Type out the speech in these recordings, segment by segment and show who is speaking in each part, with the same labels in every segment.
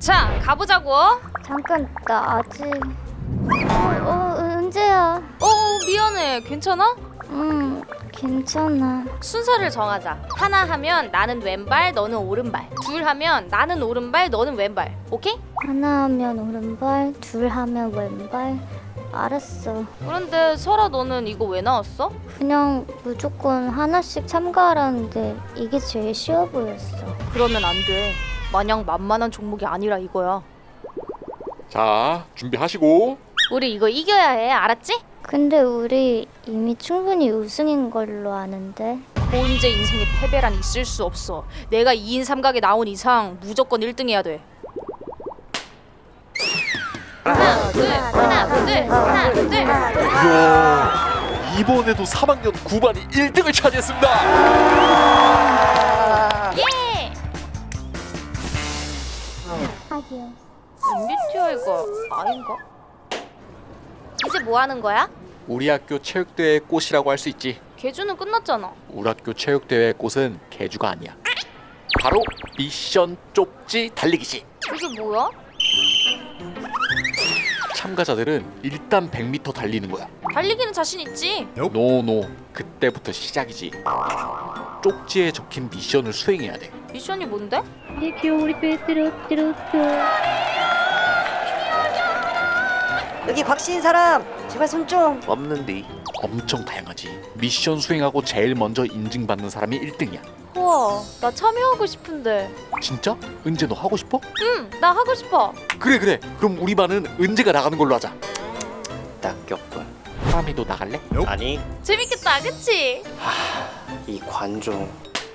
Speaker 1: 자, 가보자고.
Speaker 2: 잠깐, 나 아직... 은재야.
Speaker 1: 미안해. 괜찮아?
Speaker 2: 괜찮아.
Speaker 1: 순서를 정하자. 하나 하면 나는 왼발, 너는 오른발. 둘 하면 나는 오른발, 너는 왼발. 오케이?
Speaker 2: 하나 하면 오른발, 둘 하면 왼발. 알았어.
Speaker 1: 그런데 설아, 너는 이거 왜 나왔어?
Speaker 2: 그냥 무조건 하나씩 참가하라는데 이게 제일 쉬워 보였어.
Speaker 1: 그러면 안 돼. 마냥 만만한 종목이 아니라 이거야.
Speaker 3: 자, 준비하시고.
Speaker 1: 우리 이거 이겨야 해. 알았지?
Speaker 2: 근데 우리 이미 충분히 우승인 걸로 아는데.
Speaker 1: 고은재 인생에 패배란 있을 수 없어. 내가 2인 3각에 나온 이상 무조건 1등 해야 돼. 하나, 둘, 하나, 둘, 하나, 둘.
Speaker 3: 이야, 이번에도 3학년 9반이 1등을 차지했습니다.
Speaker 1: 예! MBTI가 아닌가? 이제 뭐 하는 거야?
Speaker 3: 우리 학교 체육대회의 꽃이라고 할 수 있지.
Speaker 1: 개주는 끝났잖아.
Speaker 3: 우리 학교 체육대회의 꽃은 개주가 아니야. 바로 미션 쪽지 달리기지.
Speaker 1: 그게 뭐야?
Speaker 3: 참가자들은 일단 100m 달리는 거야.
Speaker 1: 달리기는 자신 있지.
Speaker 3: 노노, 그때부터 시작이지. 쪽지에 적힌 미션을 수행해야 돼.
Speaker 1: 미션이 뭔데?
Speaker 4: 여기 곽씨인 사람 제발 손 좀.
Speaker 3: 없는데. 엄청 다양하지. 미션 수행하고 제일 먼저 인증받는 사람이 1등이야.
Speaker 1: 우와, 나 참여하고 싶은데.
Speaker 3: 진짜? 은재 너 하고 싶어?
Speaker 1: 응, 나 하고 싶어.
Speaker 3: 그래. 그럼 우리 반은 은재가 나가는 걸로 하자.
Speaker 5: 낙엽군.
Speaker 3: 하람이 너 나갈래?
Speaker 5: 아니,
Speaker 1: 재밌겠다, 그치?
Speaker 5: 이 관종.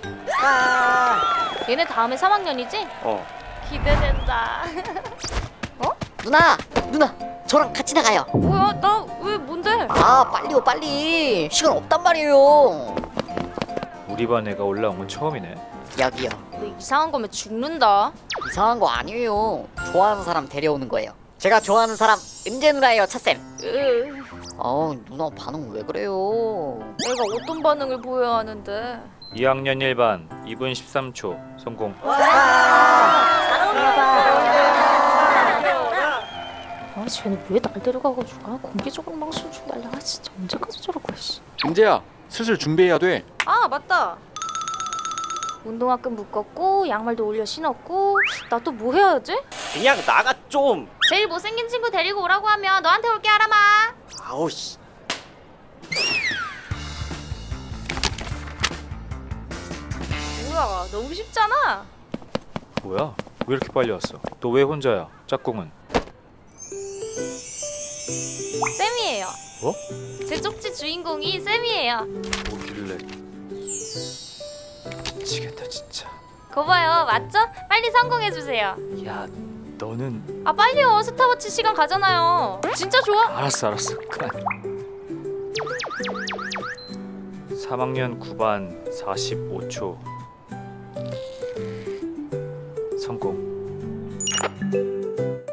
Speaker 1: 얘네 다음에 3학년이지? 기대된다.
Speaker 4: 누나 저랑 같이 나가요.
Speaker 1: 뭐야, 나 왜 뭔데?
Speaker 4: 아 빨리요 빨리. 시간 없단 말이에요.
Speaker 6: 우리 반 애가 올라온 건 처음이네.
Speaker 4: 여기요.
Speaker 1: 너 이상한 거면 죽는다.
Speaker 4: 이상한 거 아니에요. 좋아하는 사람 데려오는 거예요. 제가 좋아하는 사람 은재 누나예요, 차쌤. 누나 반응 왜 그래요?
Speaker 1: 내가 어떤 반응을 보여야 하는데.
Speaker 6: 2학년 1반 2분 13초 성공.
Speaker 1: 아, 쟤는 왜 날 데려가가지고 공개적으로 망신 좀 날려. 진짜 언제까지 저럴 거야. 씨.
Speaker 3: 은재야, 슬슬 준비해야 돼.
Speaker 1: 아, 맞다. 운동화끈 묶었고 양말도 올려 신었고. 나 또 뭐 해야지?
Speaker 5: 그냥 나가 좀.
Speaker 1: 제일 못생긴 친구 데리고 오라고 하면 너한테 올게, 아람아.
Speaker 5: 아우 씨.
Speaker 1: 뭐야, 너무 쉽잖아.
Speaker 6: 뭐야? 왜 이렇게 빨리 왔어? 너 왜 혼자야? 짝꿍은?
Speaker 1: 쌤이에요.
Speaker 6: 뭐?
Speaker 1: 제 쪽지 주인공이 쌤이에요.
Speaker 6: 뭐길래? 미치겠다 진짜.
Speaker 1: 거봐요, 맞죠? 빨리 성공해주세요.
Speaker 6: 야, 너는
Speaker 1: 아, 빨리요. 스타워치 시간 가잖아요. 진짜 좋아.
Speaker 6: 알았어. 그만. 3학년 9반 45초 성공.